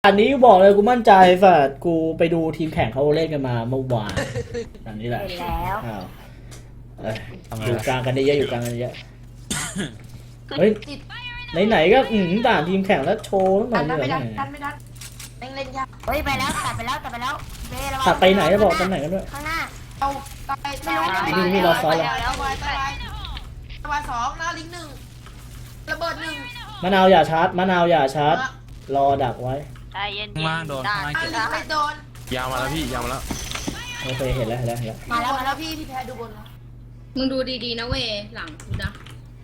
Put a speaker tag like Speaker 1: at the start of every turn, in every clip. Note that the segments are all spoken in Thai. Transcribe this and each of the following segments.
Speaker 1: อันนี้บอกเลยกูมั่นใจฝ่ากูไปดูทีมแข่งเขาเล่นกันมาเมื่อวานอันนี้แหละ
Speaker 2: เห็นแล้ว
Speaker 1: อ้าวอยู่กลางกันได้เยอะอยู่กลางกันเยอะเฮ้ยไหนๆก็ด่านทีมแข่งแล้วโชว์หน่อย
Speaker 3: ดัน
Speaker 1: เหนื่
Speaker 3: ไม่
Speaker 1: อย
Speaker 3: ดันดันไม่ดันเล่นยาก
Speaker 2: เฮ้ยไปแล้วตัดไปแล้วเบระวัง
Speaker 1: ตัดไปไหนจะบอกตำแหน่งกันด้วย
Speaker 2: ข้างหน้า
Speaker 3: เอาตายไม่รู้
Speaker 1: นี่เราซ้อนแล้ว
Speaker 3: แล้ววายสองหน้าลิงหนึ่งระเบิดหนึ่ง
Speaker 1: มะนาวอย่าชาร์จมะนาวอย่าชาร์จรอดักไว้
Speaker 4: ใจเย็นๆ
Speaker 5: ข้างล่างโดนข้างล่าง
Speaker 3: ลิงไม่โดน
Speaker 5: ยาวมาแล้วพี่ยาวมาแล้ว
Speaker 1: โอเคเห็นแล้ว
Speaker 3: มาแล้วพี่แพ้ดูบนแล้ว
Speaker 6: มึงดูดีๆนะเวยหลังกูนะ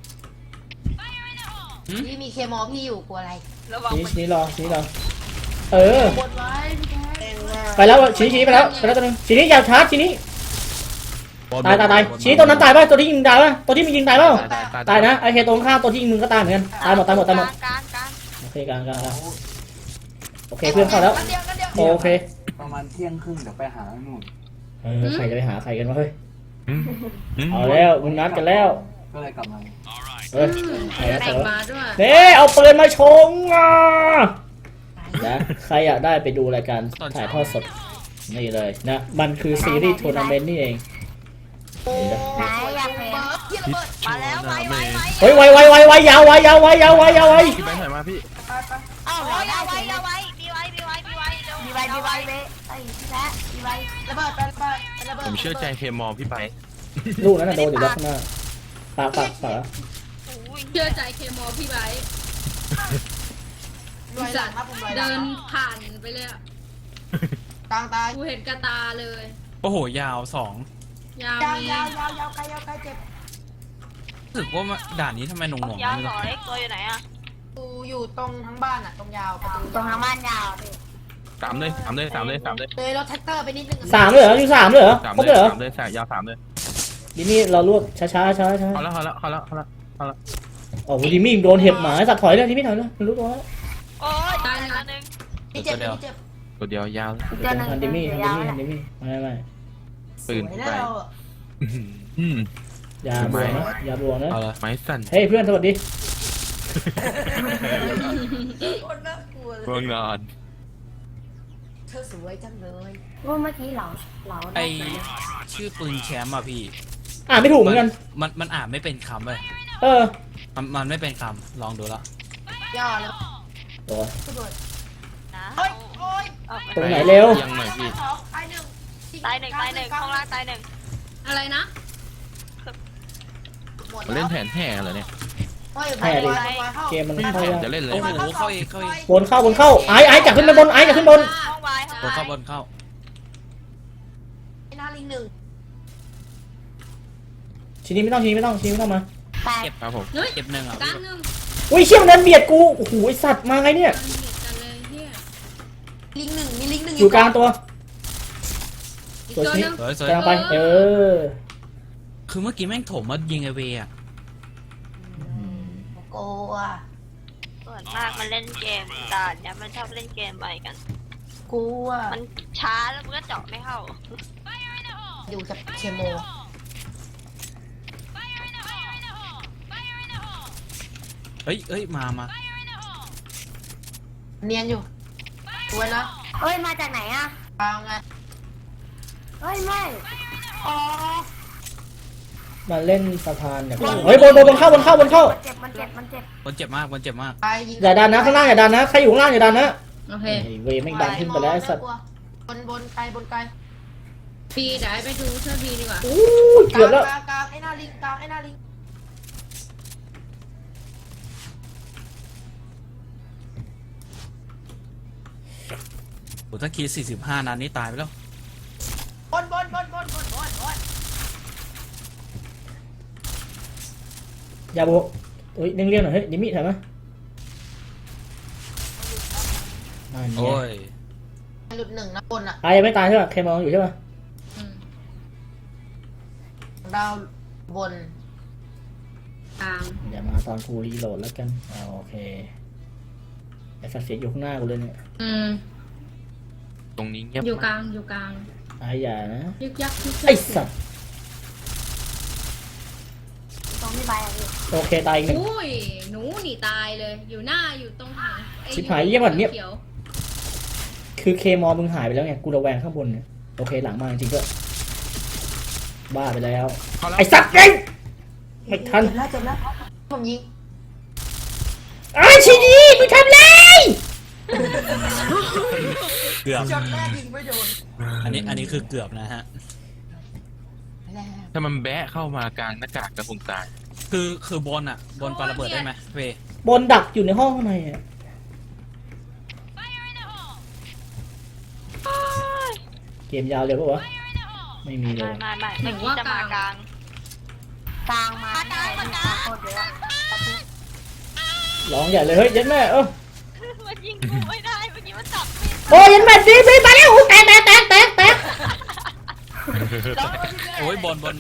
Speaker 3: พี่มีเคมอพี่อยู่กลัวอะไร
Speaker 4: ระวัง
Speaker 1: ชี้รอเออบ
Speaker 3: นไว้พี่แพ้
Speaker 1: ไปแล้วชี้ไปแล้วตัวนึงชี้นี้อย่าชาร์จชี้นี้ตายชี้ตัวนั้นตายป่ะตัวที่ยิงตายป่ะตัวที่มียิงตายป่ะตายนะไอเคตรงข้ามตัวที่ยิงมึงก็ตายเหมือนกันตายหมด
Speaker 4: กลาง
Speaker 1: โอเคกลางโอเคเพื่อนเข้าแล้วโอเค
Speaker 7: ประมาณเที่ยงครึ่งเดี๋ยวไปหาหนุ่น
Speaker 1: ใครจะไปหาใครกันวะเฮ้ยเอาแล้วมึงนัดกันแล้ว
Speaker 7: ก็เลยกลับมา
Speaker 1: เฮ้ยใครนะ
Speaker 6: แต่งมาด้วย
Speaker 1: เน่เอาปืนมาชงอ่ะนะใครอยากได้ไปดูรายการถ่ายทอดสดนี่เลยนะมันคือซีรีส์ทัวร์นาเมนต์นี่เอง
Speaker 2: ไหนอยากเห็น
Speaker 3: พี่ระเบิด
Speaker 4: มาแล้วไว
Speaker 1: เฮ้ยไวยาว
Speaker 5: พี่แบงค์ถอยมาพี่
Speaker 2: เอ้า
Speaker 4: โอ้ยเอาไว้มีไว้เร็ว
Speaker 2: มีไว้เบไอ้พี่แพ้มีไว้
Speaker 3: ระเบิดไประเบิด
Speaker 5: ผมเชื่อใจเคมอพี่ไป
Speaker 1: ลูกนั้นโดนอยู่แล้วข้างหน้าปาก
Speaker 6: เชื่อใจเคมอพี่ไบร์
Speaker 3: รวยหลังครับผมรวยหลั
Speaker 6: เดิ
Speaker 3: ง
Speaker 6: นผ่านไปเลยอะ
Speaker 3: กลางตาย
Speaker 6: กูเห็นกระตาเลย
Speaker 5: โอ้โหยาวสอง
Speaker 6: ยาวมี
Speaker 3: ยาวไกลเจ็บ
Speaker 5: รู้สึกว่าด่านนี้ทำไมหน่วงๆ
Speaker 4: ยาว
Speaker 5: ไม่
Speaker 4: ส
Speaker 5: รู้
Speaker 4: องเล็กตัวอยู่ไหนอะ
Speaker 3: กูอยู่ตรงทั้งบ้านอ่ะตรงยาวประตู
Speaker 2: ตรงทางบ้านยาวพี่
Speaker 5: สามเลย
Speaker 3: เลยรถแท็กเตอร์ไปนิดนึง
Speaker 1: 3เลยเหรออยู่3เลยเหรอครบเลยเหรอ
Speaker 5: ยาวสามเลย
Speaker 1: ดิมี่เราลวกช้า
Speaker 5: เขาแล้ว
Speaker 1: โอ้โหดิมี่โดนเห็บหมาสัตว์ถอยเลยดิมี่ถอยเลยรู้ตัวแล้ว
Speaker 4: โอ้ยตายแล้วนึง
Speaker 3: พี่เจ็บ
Speaker 5: ตัวเดียวยาว
Speaker 2: เจอหนึ่ง
Speaker 1: ทันดิมี่
Speaker 2: ยาวแหละ
Speaker 1: ไม่
Speaker 5: ปืน
Speaker 3: ไม่
Speaker 5: ไป
Speaker 3: ได้เรา
Speaker 1: อย่าบวกนะ
Speaker 5: เอาละไม้สั่น
Speaker 1: เฮ้ยเพื่อนสวัสดี
Speaker 3: คนน่ากลัว
Speaker 5: เมืองนอน
Speaker 3: เธอสวยจังเลย
Speaker 2: ว่าเมื่อกี้เหลา
Speaker 8: ไอชื่อปืนแชมป์อ่ะพี่
Speaker 1: อ่านไม่ถูกเหมือนกัน
Speaker 8: มันอ่านไม่เป็นคำเลย
Speaker 1: เออ
Speaker 8: มันไม่เป็นคำลองดูละ
Speaker 3: ย่อแล้ว
Speaker 1: ตัว
Speaker 3: ระเบิด
Speaker 4: นะ
Speaker 3: โอ้ย
Speaker 1: ตรงไหนเร็ว
Speaker 5: ยังหน่อยพี่
Speaker 4: ตายหนึ่งข้างล่างตายหนึ่ง
Speaker 6: อะไรนะ
Speaker 5: มาเล่นแผนแห่เหรอเนี่ย
Speaker 1: เกมมัน
Speaker 5: ไม่มี
Speaker 1: เข้า
Speaker 5: แผน
Speaker 1: ยาก
Speaker 5: จะเล่นเลย
Speaker 8: โอ้โหเข้าเอง
Speaker 1: บนเข้าไอ้จับขึ้นไปบนไอ้จับขึ้นบน
Speaker 4: ห้องไว้
Speaker 8: บนเข้า
Speaker 3: หน้าลิงหนึ่ง
Speaker 1: ทีนี้ไม่ต้องมา
Speaker 2: แตก
Speaker 5: ครับผม
Speaker 6: เฮ้ย
Speaker 8: เก็บหนึ่งอ่ะ
Speaker 6: กลางหนึ่ง
Speaker 1: อุ้ยเชี่ยมันเดินเบียดกูโอ้โหไอสัตว์มาไงเนี่ย
Speaker 6: กลางเหยียดกันเลยเฮีย
Speaker 3: ลิงหนึ่งมีลิงหนึ่ง
Speaker 1: อยู่กลางตัว
Speaker 6: อีก
Speaker 1: ตัว
Speaker 6: ตัว
Speaker 1: ชี้
Speaker 6: หนึง
Speaker 8: สวย
Speaker 1: กลางไป
Speaker 8: คือเมื่อกี้แม่งถมมายิงไอเวอ่ะ
Speaker 3: โกอ่ะ
Speaker 4: ส่วนมากมันเล่นเกมด่านเนี่ยมันชอบเล่นเกมไปกัน
Speaker 3: กูอ่ะ
Speaker 4: มันช้าแล้วมันก็เจาะไม่เข้า
Speaker 3: อยู่กับเคม
Speaker 8: เฮ้ยมา
Speaker 3: เนียนอยู่สวยนะ
Speaker 2: เฮ้ยมาจากไหนอ่ะ
Speaker 3: กลางไง
Speaker 2: เฮ้ยไม่อ๋อ
Speaker 1: มาเล่นสะพานเนี่ยเฮ้ยบนเข้า
Speaker 2: มันเจ็บ
Speaker 8: คนเจ็บมาก
Speaker 3: ไปยิง
Speaker 1: อย่าดันนะข้างล่างอย่าดันนะใครอยู่ข้างล่างอย่าดันนะ
Speaker 6: โอเค
Speaker 1: เวไม่ดันขึ้นไปแล้วไอ้สัตว์
Speaker 3: บนไกล
Speaker 6: บีเดี๋ยวไปดูช่วยบีดีกว่า
Speaker 1: อู้เกือบแล้ว
Speaker 3: กลางไอ้หน้าลิงกลางไอ้หน้าลิง
Speaker 8: โอ้ถ้าคิด45นัดนี่ตายไปแล้ว
Speaker 3: บน
Speaker 1: อย่าโบเฮ้ยเลี่ยงๆหน่อยเฮ้ยดิมี่ถอยมานั่นไง
Speaker 8: โอ้ย
Speaker 3: หลุดหนึ่งนะบนอ่ะ
Speaker 1: ไอ้ยังไม่ตายใช่ป่ะเคมองอยู่ใช่ป่ะ
Speaker 6: อืม
Speaker 3: ดาวบน
Speaker 6: กลาง
Speaker 1: อย่ามาตอนกูรีโหลดแล้วกันโอเคไอ้สัตว์เสียอยู่ข้างหน้ากูเลยเนี่ย
Speaker 6: อืม
Speaker 5: ตรงนี้เงียบ
Speaker 6: อยู่ก
Speaker 5: มาก
Speaker 6: ลาง
Speaker 1: ไอ้อย่านะ
Speaker 6: ยึกยัก
Speaker 1: ไอ้สัตว์
Speaker 2: ตรงที่ใบอ่ะพี่
Speaker 1: โอเคตายอีกหนึ่ง
Speaker 6: อุ้ยหนูหนีตายเลย อยู่หน้าอยู่ตรงถังไอ้
Speaker 1: ชิบหายเยี่ยมแบบเนี้ย
Speaker 6: ขีว
Speaker 1: คือเคมอมึงหายไปแล้วไงกูระแวงข้างบนเนี่ยโอเคหลังมาจริงๆก็บ้าไปแล้ว
Speaker 5: เข้าแล้ว
Speaker 1: ไอ้สัตว์เองไม่ทัน
Speaker 3: เจ็บแล้วผมยิง
Speaker 1: ไอ้ชีนีมึงทำไร
Speaker 8: เกือบ
Speaker 3: ช็อตแรกยิงไม่โดน
Speaker 8: อันนี้คือเกือบนะฮะ
Speaker 3: แล้ว
Speaker 5: ถ้ามันแบะเข้ามากลางหน้ากากกระคงตาย
Speaker 8: คือบนอ่ะ บนปาระเบิดได้ไหมเว
Speaker 1: บนดักอยู่ในห้องข้างในอ่ะเกมยาวเลยปะวะไม่มีเลย
Speaker 4: ไม่เมื่อกี้จะมากลาง
Speaker 2: กลางมาได้โคตรเยอะ
Speaker 1: ร้องใหญ่เลยเฮ้ยยันแม่
Speaker 4: มันยิงกูไม่ได้เมื่อกี้มันจับไม่
Speaker 1: โอ้ยันแม่ดีไปแล้วแตก
Speaker 8: โอ้ยบนเว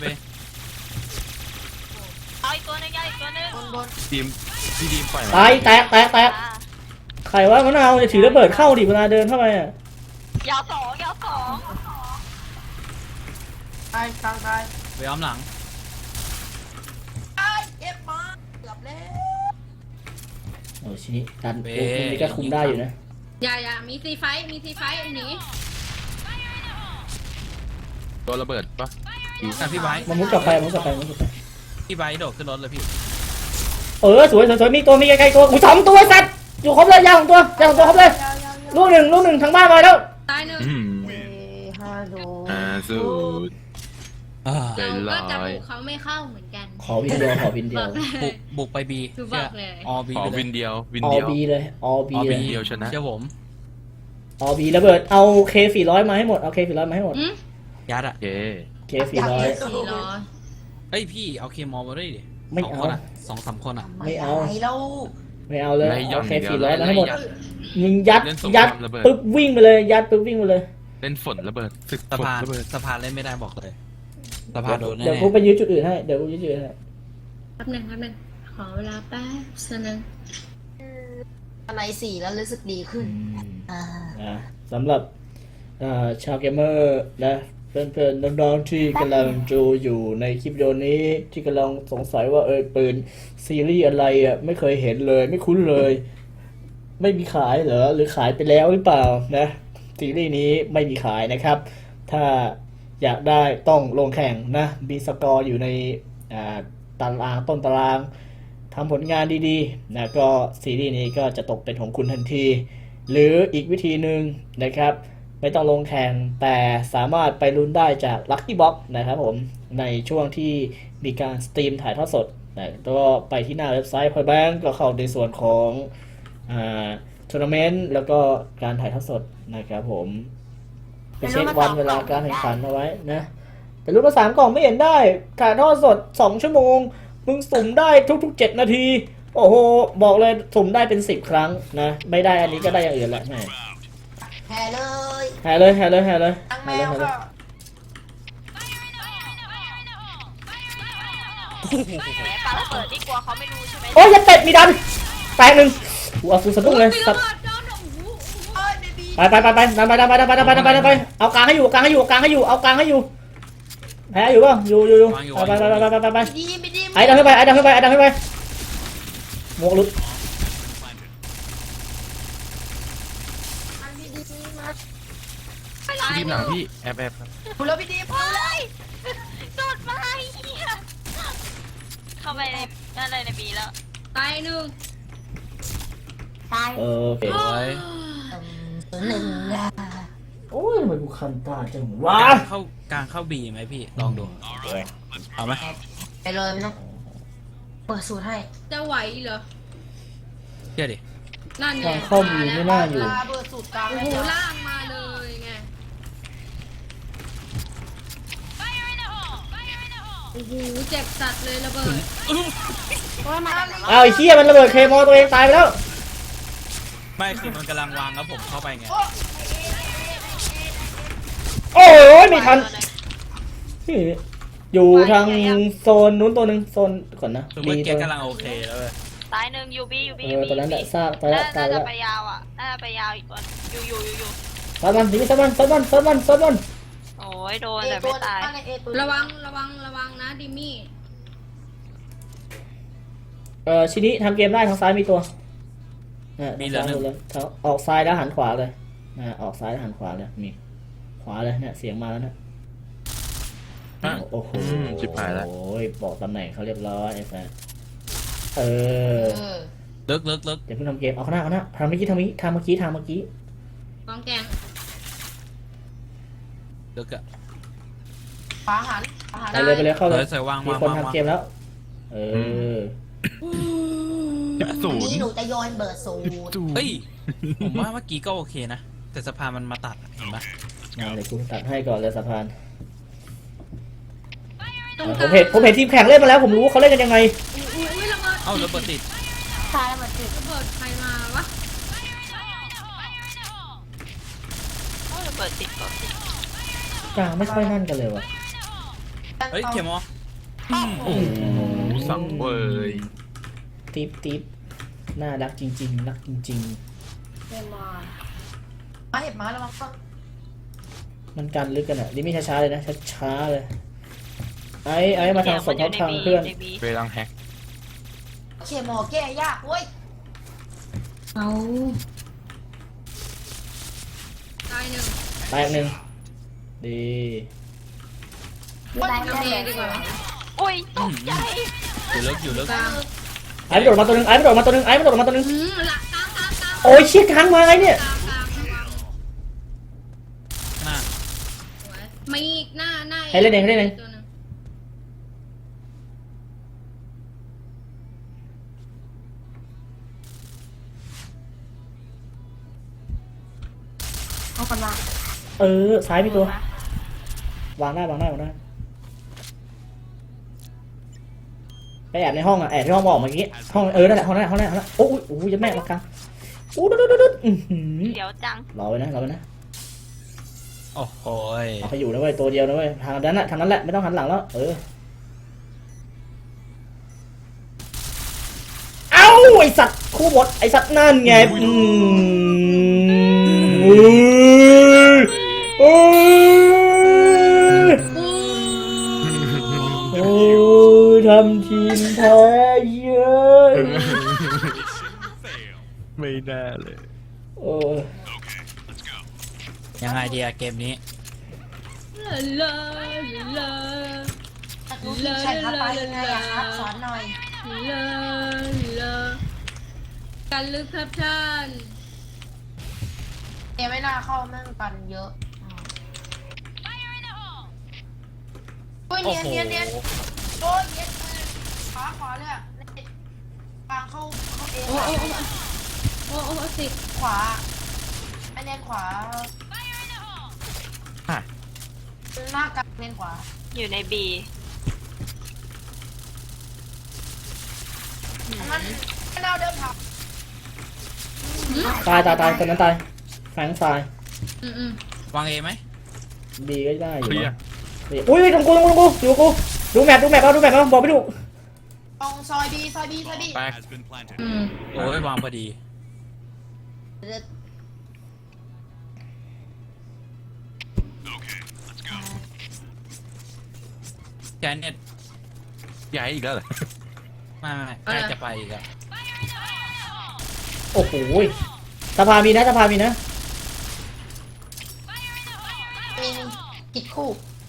Speaker 4: เอาอีกตัวนึงเอาอีกตัวนึง
Speaker 3: บน
Speaker 5: ทีมพี่ดีมปล่อย
Speaker 1: ตายแตกใครวะมะนาวจะถือระเบิดเข้าดิเวลาเดินเข้าไปอ่ะ
Speaker 4: ยาวสอง
Speaker 3: ตายกลางตาย
Speaker 8: เวอ้อมหลัง
Speaker 3: ตายเก็บมาเกือบแล้ว
Speaker 1: โอ้ชินิดันโอ้มันนี่ก็คุมได้อยู่นะ
Speaker 6: อย่ามีซีไฟหนี
Speaker 5: ตัวระเบิดปะ
Speaker 8: อ่ะพี่ไบร์ท
Speaker 1: มันมุดกลับไป
Speaker 8: พี่ไบร์ทโดดขึ้นรถเลยพี่
Speaker 1: สวยมีตัวมีใกล้ๆตัวกูสองตัวสัตว์อยู่ครบเลยยาวของตัวครบเลยลูกหนึ่งทั้งบ้านมาแล้ว
Speaker 6: ตายหนึ่ง
Speaker 3: ฮัลโหล
Speaker 5: สุด ใจ
Speaker 6: เรา
Speaker 5: ร้าย
Speaker 6: ก็จะบุกเขาไม่เข้าเหมือนกัน
Speaker 1: ขอวินเดียว
Speaker 8: บุกไปบี
Speaker 6: คือบอกเลย
Speaker 8: ออบี
Speaker 5: ขอ
Speaker 8: ไปเล
Speaker 5: วิ
Speaker 8: ย
Speaker 5: นเดียว
Speaker 1: ออบีเลยออบี
Speaker 8: ออ
Speaker 1: เล
Speaker 8: บี
Speaker 1: ย
Speaker 5: เดียวชนะ
Speaker 8: เชื่อผม
Speaker 1: ออบีระเบิดเอาเค400มาให้หมดเอาเค400มาให้หมด
Speaker 8: ยัดอ่ะ
Speaker 5: โอเค
Speaker 1: เค400
Speaker 8: เฮ้ยพี่เอาเคมอลมาด้วยดิ
Speaker 1: ไม่
Speaker 8: สอง
Speaker 1: เอา
Speaker 8: คนอ่ะ2-3 คนอ่ะ
Speaker 1: ไม่เอา
Speaker 3: ไแล้ว
Speaker 1: ไม่เอาเลย
Speaker 5: ไล่ย่อ
Speaker 1: เอา
Speaker 5: น
Speaker 1: เค
Speaker 5: เดียว
Speaker 1: 400มาให้หมด
Speaker 5: ไล่
Speaker 1: ยิงยัด
Speaker 5: เล่นสงค
Speaker 1: ยั
Speaker 5: รา
Speaker 1: ด
Speaker 5: มระเบิด
Speaker 1: ปึ๊บวิ่งไปเลยยัดปึ๊บวิ่งไปเลย
Speaker 5: เล่นฝนระเบิดศึก
Speaker 8: สะ
Speaker 5: ฝน
Speaker 8: พาน
Speaker 5: ระเบิด
Speaker 8: สะพานเล่นไม่ได้บอกเลยสะพานโดนแน่
Speaker 1: เดี๋ยวกูไปยื้อจุดอื่นให้เดี๋ยวกูยื้อจุดอื่นให้
Speaker 6: แป๊บหนึงขอเวลาแป๊บนึง
Speaker 3: อะไรสี่แล้วรู้สึกดีขึ้นอ่า
Speaker 1: สำหรับชาวเกมเมอร์นะเพื่อนๆน้องๆที่กำลังดูอยู่ในคลิปวิดีโอนี้ที่กำลังสงสัยว่าปืนซีรีส์อะไรอ่ะไม่เคยเห็นเลยไม่คุ้นเลย ไม่มีขายเหรอหรือขายไปแล้วหรือเปล่านะซีรีส์นี้ไม่มีขายนะครับ ถ้าอยากได้ต้องลงแข่งนะมีสกอร์อยู่ในตารางต้นตารางทำผลงานดีๆนะก็ซีรีส์นี้ก็จะตกเป็นของคุณทันที หรืออีกวิธีหนึ่งนะครับไม่ต้องลงแข่งแต่สามารถไปลุ้นได้จาก Lucky Box นะครับผมในช่วงที่มีการสตรีมถ่ายทอดสดนะก็ไปที่หน้าเว็บไซต์ Point Bank ก็เข้าในส่วนของทัวร์นาเมนต์แล้วก็การถ่ายทอดสดนะครับผมไปเช็ควันเวลาการแข่งขันเอาไว้นะแต่รุ่นละ3 กล่องไม่เห็นได้ถ่ายทอดสด2 ชั่วโมงมึงสุ่มได้ทุกๆ7 นาทีโอ้โหบอกเลยสุ่มได้เป็น10 ครั้งนะไม่ได้อันนี้ก็ได้อย่างอื่นแหละแม่
Speaker 3: แห่เลย
Speaker 1: แห่เลย
Speaker 3: ตั้งแมวก็
Speaker 4: แหมปาระเบิดนี่กลัวเขาไม่รู้ใช่ไหม
Speaker 1: โอ้ยอย่าเป็ดมีดันแตกหนึ่งกูเอาฟูสะดุ้งเลย
Speaker 6: มี
Speaker 1: สั
Speaker 6: ระ
Speaker 1: ตว์
Speaker 6: เบิดโดนโอ้โห
Speaker 3: เอ้ยเบบี
Speaker 1: ไปดันไปเอากลางให้อยู่เอากลางให้อยู่แพ้อยู่ป่ะอยู่ไป
Speaker 3: ดี
Speaker 1: ไอ้ดันขึ้นไปหมวกหลุด
Speaker 3: อันนี้ดีมาก
Speaker 5: พี่ดีมหลังพี่แอบครับ
Speaker 3: คุณแล้วพี่ดีพอ
Speaker 4: เฮ้ยโดดมาไอ้เหี้ยเข้าไปในนั่นเลยในบีแล้ว
Speaker 6: ตายหนึ่ง
Speaker 2: ตาย
Speaker 1: โอเค
Speaker 8: โอ้ย
Speaker 3: หนึ่งอ่ะ
Speaker 1: โอ้ยทำไมกูคันตาจังวะ
Speaker 8: กลางเข้าบีไหมพี่ลองดูเอาไหม
Speaker 3: ไปเลยไม่ต้องเปิดสูตรให้
Speaker 6: จะไหวเหรอ
Speaker 8: เชื่อดิ
Speaker 6: นั่นไง
Speaker 1: ทางเข้ามีไม่น่าอยู่
Speaker 3: ลาเปิดสูตรกลาง
Speaker 6: โอ้โหล่างมาเลยไงโอ้โหเจ็บสัตว์เลยระเบิด
Speaker 2: โอ้ยมาจากไหนวะ
Speaker 1: เอาไอ้เหี้ยมันระเบิดเคมอตัวเองตายไปแล้ว
Speaker 8: ไม่คือมันกำลังวางแล้วผมเข้าไปไง
Speaker 1: โอ้ยไม่ทันอยู่ทางโซนนู้นตัวหนึ่งโซนก่อนนะ
Speaker 8: คือเมื่อ
Speaker 1: ตั
Speaker 8: กี้
Speaker 1: ว
Speaker 8: กำลังโอเคแล้วเลย
Speaker 4: ตายหนึ่งยูบี
Speaker 1: ตอนนั้นแหละทราบตายแล้ว
Speaker 4: น่า
Speaker 1: แล้
Speaker 4: จะ
Speaker 1: ว
Speaker 4: ไปยาวอ่ะน่าจะไปยาวอีกตัวอยู่
Speaker 1: ซัดมัน
Speaker 4: โอ้ยโดน
Speaker 3: เอ
Speaker 4: แต่
Speaker 3: ตั
Speaker 4: ไม่
Speaker 3: ว
Speaker 4: ตาย
Speaker 3: ตั้งในเอตัว
Speaker 6: ระวังนะดิมี่
Speaker 1: ชินิทำเกมได้ทางซ้ายมีตัวทางออกซ้ายแล้วหันขวาเลยออกซ้ายหันขวาเลยมีขวาเลยเนี่ยเสียงมาแล้วนะ
Speaker 5: อ่ะ
Speaker 1: โอ้โห
Speaker 5: ชิบหายแล้ว
Speaker 1: โอ้ยบอกตำแหน่งเขาเรียบร้อยไอ้แฟนเออ
Speaker 8: ลึก
Speaker 1: อย่าเพิ่งทำเกมเอาข้างหน้าทำเมื่อกี้ทำเมื่อกี้
Speaker 6: กองแกง
Speaker 8: ลึกอะ
Speaker 3: ขวาหันขวาหัน
Speaker 1: ไปเลยเข้าเลย
Speaker 8: ใส่วาง
Speaker 1: มี
Speaker 8: วาง
Speaker 1: คน
Speaker 8: วาง
Speaker 1: ทำเกมแล้ว เออ
Speaker 5: ศูน
Speaker 2: นี่
Speaker 5: ย์
Speaker 2: หนูจะโยนเบิร์ดสูตร
Speaker 8: เฮ้ย ผมว่าเมื่อกี้ก็โอเคนะ แต่สะพานมันมาตัดอะเห็นปะ
Speaker 1: มาเลยกูตัดให้ก่อนเลยสะพาน
Speaker 6: ตรง
Speaker 1: ผมเห็นทีมแข่งเล่นมาแล้วผมรู้ว่าเขาเล่นกันยังไง
Speaker 6: อุ้ยระเบิด
Speaker 8: เอ้าระเบิดติด
Speaker 2: ใช่แล้วมันติด
Speaker 6: ระเบิดใครมาวะ
Speaker 4: โอ้ยเปิดติดก็ติด
Speaker 1: กลางไม่ค่อยนั่นกันเลยว่ะ
Speaker 8: เฮ้ยเขียมอ
Speaker 5: โอ้โหสังเวย
Speaker 1: ติ๊บน่ารักจริงๆรักจริง
Speaker 2: เดมอน
Speaker 3: มาเห็บมาแล้วมั้ง
Speaker 1: ๆ มันกันลึกกันอ่ะดิมี่ช้าๆเลยนะช้าๆเลยไอ้มาทางสมทบทางเพื่อน
Speaker 4: ในบี
Speaker 5: เวลังแฮก
Speaker 3: เคมอแก้ยากเว้ย
Speaker 6: เอาตายหนึ่ง
Speaker 1: แตกหนึ่งดี
Speaker 2: ได้
Speaker 6: ทำเองดีกว่า
Speaker 4: โอ้ยตกใจ
Speaker 8: อยู่ลึก
Speaker 6: กลาง
Speaker 1: ไอ้ไม่โดดมาตัวหนึงไอ้ไม่โดดมาตัวหนึง
Speaker 6: หลักกลาง
Speaker 1: โอ้ยเชี่ยค้างมาไงเนี่ย
Speaker 6: กลางระวัง
Speaker 8: หน้า
Speaker 6: สวยมีอีกหน้าตัวหนึ่ง
Speaker 2: เอาคนมา
Speaker 1: ซ้ายมีตัว วางได้ไปแอบในห้องอ่ะแอบในห้องบอกเมื่อกี้ห้องนั่นแหละห้องนั้นโอ้ยยัดแม่มากลางดุด
Speaker 4: เดี๋ยวจัง
Speaker 1: รอไว้นะ
Speaker 8: โอ้โหย
Speaker 1: เอาไปอยู่นะเว้ยตัวเดียวนะเว้ยทางนั้นแหละไม่ต้องหันหลังแล้วเอ้าไอสัตว์คู่หมดไอสัตว์นั่นไงโอ้ทำทีมแพ้เยอะ
Speaker 5: ไม่ได้เลย
Speaker 1: โอ้
Speaker 8: ยังไงดีอะเกมนี้
Speaker 6: ลาลา
Speaker 2: รู้ที่แข่งเข้าไปยังไงอะครับสอนหน่อย
Speaker 6: ลาลากันลึกครับท่าน
Speaker 3: เอไม่น่าเข้าแม่งกันเยอะโอ้ย
Speaker 8: โอ้
Speaker 3: เนียน
Speaker 8: โห
Speaker 3: เนียนโอ้ยเนียนขวาเลยกลางเข้าเอง
Speaker 6: โอ้สิ
Speaker 3: ขวาไอเนียนขวา
Speaker 5: อ่ะ
Speaker 3: หน้ากลางเนียนขวา
Speaker 4: อยู่ในบี
Speaker 3: มันไม่น่าเดินผ่าน
Speaker 1: ตายคนนั้นตายแฝงตายว
Speaker 8: างเอไหม
Speaker 1: ดีก็ได้อ
Speaker 5: เค
Speaker 1: ยู่
Speaker 5: ลีย
Speaker 1: นะ
Speaker 5: ร์
Speaker 1: อุ้ยตรงกูอยู่กูดูแมปเอาบอกไม่ดู
Speaker 3: ตรงซอยบี
Speaker 5: แตก
Speaker 8: โอ้ยวางพอดีแจเน็ต
Speaker 5: ย้ายอีกแล้วเหรอ
Speaker 8: ไม่ใกล้จะไปอีกอะ
Speaker 1: โอ้โหสภามีนะ
Speaker 2: มีกิดคู่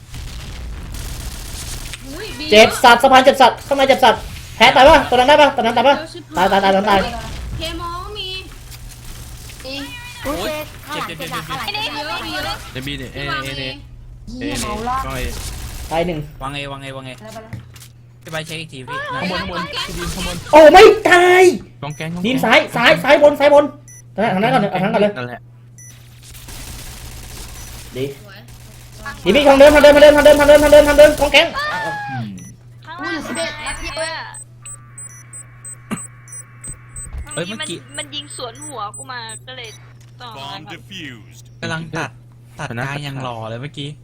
Speaker 1: เจ็บสัตว์สะพานเจ็บสัตว์ข้างในเจ็บสัตว์แพ้ตายป่ะตอนนั้นตายป่ะตายตาย
Speaker 6: เคมอมี
Speaker 2: รู้เช็คข้างหลังเจ็บหนักข้างหลัง
Speaker 4: ไอ้
Speaker 2: เจ็
Speaker 4: นี่
Speaker 2: บหนัก
Speaker 4: เยอะ
Speaker 5: เดบีเนี่ยเอ
Speaker 6: วาง
Speaker 5: เอ
Speaker 6: เอ
Speaker 5: เอ
Speaker 2: เยี่ยมเอาละ
Speaker 5: ก้อย
Speaker 1: ตายหนึ่ง
Speaker 8: วางเอพี่ไปเช็คอีกทีพี่
Speaker 5: ข้างบนพี่ดีมข้างบน
Speaker 1: โอ้ไม่ตาย
Speaker 5: กองแกง
Speaker 1: ทีมซ้ายบนทางนั้นก่อนเลย
Speaker 5: นั่นแหละ
Speaker 1: ดี
Speaker 6: สวย
Speaker 1: ดีมีทางเดินของแก๊ง
Speaker 4: ข้างล่าง
Speaker 3: อุ้ย11นัดเดียว
Speaker 8: เฮ้ยเมื่อกี้
Speaker 4: มันยิงสวนหัวกูมาก็เลยต้องอะไรก่อน
Speaker 8: กำลังตัดกลางยังหล่อเลยเมื่อกี้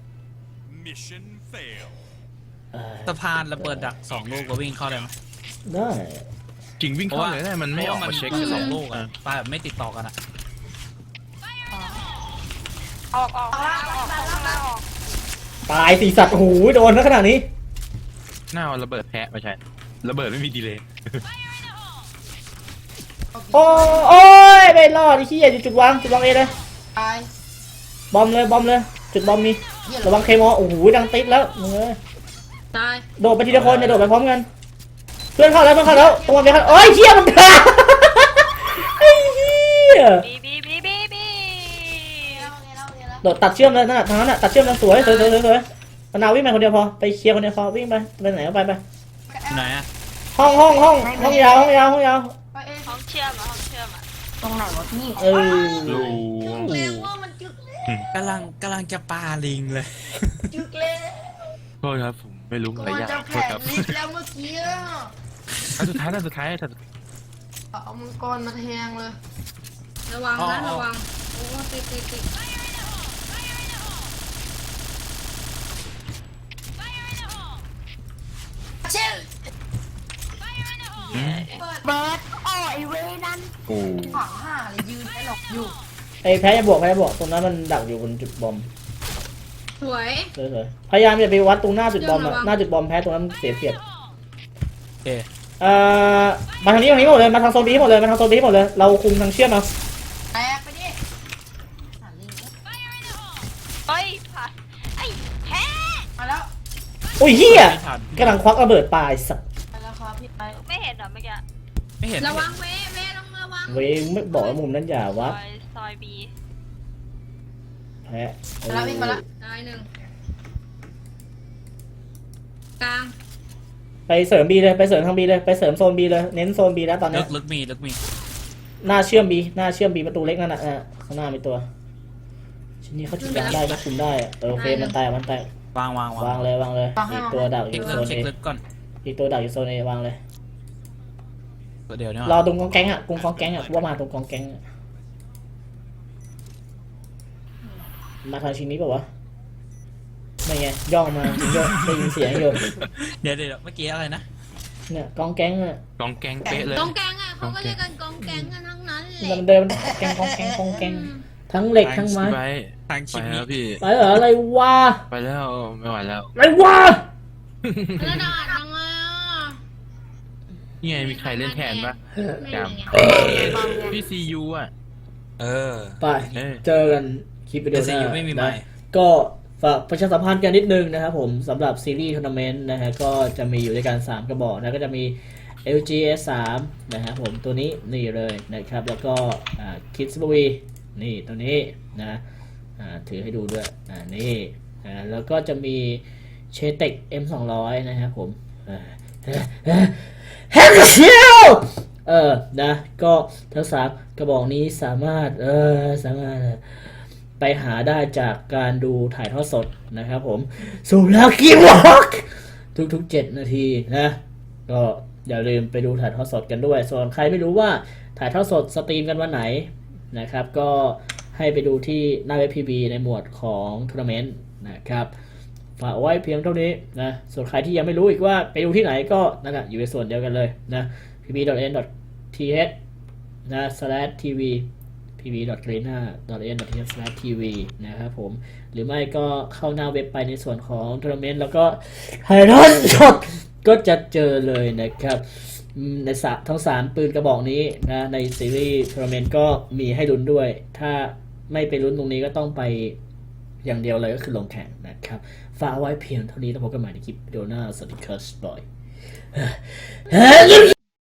Speaker 8: สะพานระเบิดดัก2 ลูกก็วิ่งเข้าได้ไหม
Speaker 1: ได้
Speaker 5: จริงวิ่งเข้าเลยได้มันไม่ออกมาเช็ค
Speaker 8: แค่
Speaker 5: เลย
Speaker 8: 2 ลูกอะปาแบบไม่ติดต่อกันอะ
Speaker 4: ออกข้างล่างออก
Speaker 1: ตายสี่สัตว์โอ้โหโดนแล้วขนาดนี้
Speaker 5: หน้าระเบิดแพะไม่ใช่ระเบิดไม่มีดีเลย์
Speaker 1: โอ้ยไม่รอดไอ้ขี้ยอยู่จุดวางเอเลย
Speaker 3: ตาย
Speaker 1: บอมเลยจุดบอมมีระวังเคมอโอ้โหดังติดแล้วมึงเอ้ย
Speaker 6: ตาย
Speaker 1: โดดไปทีละคนเนี่ยโดดไปพร้อมกันเพื่อนเข้าแล้วตรงมันไปเข้าโอ้ยเชี่ยมันกาไอ้เหี้ย
Speaker 4: บี
Speaker 1: โดดตัดเชื่อมเลยนั่นน่ะทางนั้นน่ะตัดเชื่อมแล้วสวยมะนาววิ่งไปคนเดียวพอไปเคลียร์คนเดียวพอวิ่งไปไหนก็ไป
Speaker 8: ไหนอะ
Speaker 1: ห้องยาว
Speaker 3: ไปเอง
Speaker 4: ห้องเชื่อมอ่ะ
Speaker 2: ตรงไหนวะพี่
Speaker 1: เออ
Speaker 5: รู
Speaker 6: เร็วว่ามันจึกแล้ว
Speaker 8: กำลังจะปาลิงเลย
Speaker 3: จึกเลย
Speaker 5: โทษครับผมไม่รู้
Speaker 3: ก็
Speaker 5: อะไร
Speaker 3: มัน
Speaker 5: ยาก
Speaker 3: จะ
Speaker 5: โท
Speaker 3: แผ่
Speaker 5: ษครับ
Speaker 3: ลิฟแล้วเมื่อกี้อะ
Speaker 5: อันสุดท้าย
Speaker 3: เอามังกรมาแทงเลย
Speaker 6: ระวังนะระวังโอ้ติด
Speaker 3: เช่น
Speaker 2: เบิร์ดโอ้ไอเวนั่น
Speaker 5: โอ้
Speaker 3: ฝั่งห้าเลยยืนไอ้หลอกอยู่
Speaker 1: ไอ้แพ้จะบวกตรงนั้นมันดักอยู่บนจุดบอม
Speaker 6: สวย
Speaker 1: สวยพยายามอย่าไปวัดตรงหน้าจุดบอมอะ
Speaker 6: ระวัง
Speaker 1: หน้าจุดบอมแพ้ตรงนั้นเสียเปรียบ
Speaker 8: เอ๊ะ
Speaker 1: มาทางนี้หมดเลยมาทางโซนบีหมดเลยเราคุมทางเชื่อมเอา
Speaker 3: แตกไปดิ
Speaker 4: เฮ้ยผ่านไอ้แพ้
Speaker 3: มาแล้ว
Speaker 1: อุ้ยเฮีย
Speaker 8: ไม่ทัน
Speaker 1: กำลังควักระเบิดปลายสัตว์
Speaker 3: มาแล้วครับพี่ไป
Speaker 4: ไม่เห็นเหรอเมื่อกี้
Speaker 8: ไม่เห็น
Speaker 6: ระวังเว้ต้องระวัง
Speaker 1: เว้ยไม่บอกว่ามุมนั้นอย่าวัด
Speaker 4: ซอยบี
Speaker 1: แพ้
Speaker 3: มาแล้ววิ่งมาแล้ว
Speaker 6: ตายหนึ่งกลาง
Speaker 1: ไปเสริมบีเลยไปเสริมทางบีเลยไปเสริมโซนบีเลยเน้นโซนบีแล้วตอน
Speaker 8: ลึ
Speaker 1: นี้
Speaker 8: กมี
Speaker 1: หน้าเชื่อมบีประตูเล็กนั่นน่ะข้างหน้ามีตัวชิ้นนี้เขาจุดยางได้ก็คุมได้อะโอเคมันแตก
Speaker 8: วาง
Speaker 1: วางเลยอีกตัวดักอ
Speaker 8: เช็ค
Speaker 1: ยู่
Speaker 8: ลึ
Speaker 1: โซ
Speaker 8: ก
Speaker 1: น
Speaker 8: เช็
Speaker 1: เอ
Speaker 8: คลึกก่อน
Speaker 1: อีกตัวดักอยู่โซนเอวางเลย
Speaker 8: เดี๋ยวเนี่ย
Speaker 1: รอตรงกองแก๊งอ่ะกองแก๊งอ่ะว่ามาตรงกองแก๊งอะมาทางชิ้นนี้ป่าวะไม่ไงย่องมาจริงด้วยได้ยินเสียงอยู่
Speaker 8: เดี๋ยวเมื่อกี้อะไรนะ
Speaker 1: เนี่ยกองแก๊งอ่ะ
Speaker 5: กองแกงเป๊ะเลย
Speaker 6: กองแกงอ่ะเขาก็เรียกกันกองแกงกันทั้งนั้นแหละ
Speaker 1: มันเดินแก๊งกองแก๊งทั้งเหล็กทั้งไม้
Speaker 5: ไป
Speaker 8: ทาง
Speaker 5: ไป
Speaker 8: คลิป
Speaker 5: แล้
Speaker 8: นี้
Speaker 5: วพี่
Speaker 1: ไปเหรออะไรวะ
Speaker 5: ไปแล้วไม่ไหวแล้ว
Speaker 1: อะไรวะ
Speaker 6: แล้วด่ายังไงอ่ะ
Speaker 5: นี่ไงมีใครเล่นแทนปะ
Speaker 6: ไม่
Speaker 5: จ
Speaker 6: มีไง
Speaker 5: ำพี่ซียูอ่ะ
Speaker 8: เออ
Speaker 1: ไป
Speaker 5: เอ้ย
Speaker 1: เจอกันคลิปวิดีโอห
Speaker 8: แต่
Speaker 1: น้า
Speaker 8: CU ไม่มีไมค์
Speaker 1: นะก็ฝากประชาสัมพันธ์กันนิดนึงนะครับผมสำหรับซีรีส์ทัวร์นาเมนต์นะฮะก็จะมีอยู่ด้วยกัน3กระบอกนะก็จะมี LG S3 นะครับผมตัวนี้นี่เลยนะครับแล้วก็Kids b o y นี่ตัวนี้นะถือให้ดูด้วยนี่แล้วก็จะมี Chetek M200 นะครับผมแฮกเชียวนะก็ทั้ง3กระบอกนี้สามารถไปหาได้จากการดูถ่ายทอดสดนะครับผมสุรากีวอกทุกๆ7นาทีนะก็อย่าลืมไปดูถ่ายทอดสดกันด้วยส่วนใครไม่รู้ว่าถ่ายทอดสดสตรีมกันวันไหนนะครับก็ให้ไปดูที่หน้าเว็บ PB ในหมวดของทัวร์นาเมนต์นะครับฝากไว้เพียงเท่านี้นะส่วนใครที่ยังไม่รู้อีกว่าไปดูที่ไหนก็นั่นแหละอยู่ในส่วนเดียวกันเลยนะ pb.n.th นะ /tv pb.greener.n.th/tv นะครับผมหรือไม่ก็เข้าหน้าเว็บไปในส่วนของทัวร์นาเมนต์แล้วก็ถ่ายทอดสดก็จะเจอเลยนะครับในทั้ง3ปืนกระบอกนี้นะในซีรีส์ทัวร์นาเมนต์ก็มีให้ลุ้นด้วยถ้าไม่ไปลุ้นตรงนี้ก็ต้องไปอย่างเดียวเลยก็คือลงแข่งนะครับฝากไว้เพียงเท่านี้แล้วพบกันใหม่ในคลิปวิดีโอหน้าสวัสดีครับบอย